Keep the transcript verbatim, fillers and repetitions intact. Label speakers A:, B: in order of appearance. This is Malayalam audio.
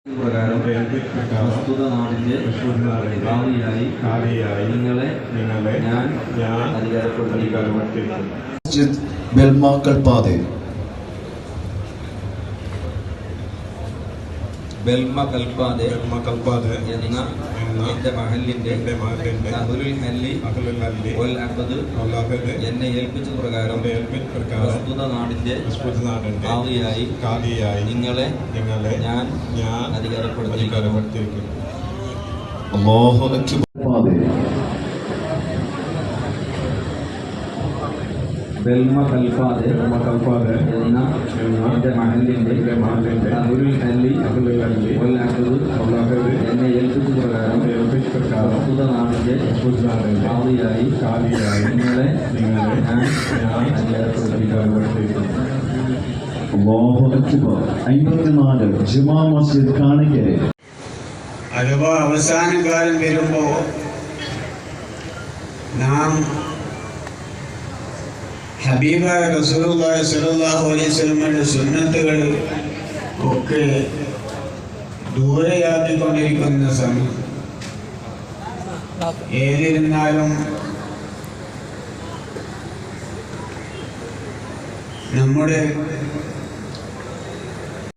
A: പ്രകാരം പ്രസ്തുത നാടിന്റെ ഭാവിയായി കാലിയായി നിങ്ങളെ നിങ്ങളെ ഞാൻ ഞാൻ അധികാരപ്പെടുത്തി
B: ബെൽമ കൽപ്പാതെ
A: ബെൽമ കൽപ്പാതെ
C: ബെൽമ കൽപ്പാതെ
A: എന്ന എന്റെ മഹലിന്റെ
C: എന്റെ മഹലിന്റെ
A: അഹ്ലുൽ ഹല്ലി
C: അഹ്ലുൽ ഹല്ലി
A: വൽ അഖദ്
C: വൽ അഖദ്
A: എന്നെ ഏൽപ്പിച്ച പ്രകാരം
C: എന്നെ ഏൽപ്പിച്ച പ്രകാരം
A: പ്രസ്തുത നാടിന്റെ
C: പ്രസ്തുത നാടിന്റെ
A: ഭാവിയായി
C: കാലിയായി
A: നിങ്ങളെ
C: നിങ്ങളെ
A: ഞാൻ
C: ഞാൻ
A: അധികാരപ്പെടുത്തി
C: അധികാരപ്പെടുത്തിയിരിക്കുന്നു.
B: അല്ലാഹു അക്ബർ.
A: ബെൽമ കൽപ്പാതെ
C: ബെൽമ കൽപ്പാതെ
A: എന്ന എന്റെ മഹലിന്റെ
C: എന്റെ മഹലിന്റെ
A: അഹ്ലുൽ ഹല്ലി
C: അഹ്ലുൽ ഹല്ലി
A: വൽ അഖദ്
C: വൽ അഖദ്
A: എന്നെ ഏൽപ്പിച്ച പ്രകാരം
C: എന്നെ ഏൽപ്പിച്ച പ്രകാരം
A: പ്രസ്തുത നാടിന്റെ
C: പ്രസ്തുത നാടിന്റെ
A: ഭാവിയായി
C: കാലിയായി
A: നിങ്ങളെ
C: നിങ്ങളെ
A: ഞാൻ
C: ഞാൻ
A: അധികാരപ്പെടുത്തി
C: അധികാരപ്പെടുത്തിയിരിക്കുന്നു.
B: അല്ലാഹു അക്ബർ. അമ്പത്തിനാല് ജുമാ മസ്ജിദ് കാണിക്കരെ.
D: അഥവാ അവസാന കാലം വരുമ്പോൾ നാം ഹബീബായ റസൂലുള്ളാഹി സ്വല്ലല്ലാഹു അലൈഹി വസല്ലമയുടെ സുന്നത്തുകൾ ഒക്കെ ദൂരെയാക്കിക്കൊണ്ടിരിക്കുന്ന സമയം. ഏതിരുന്നാലും നമ്മുടെ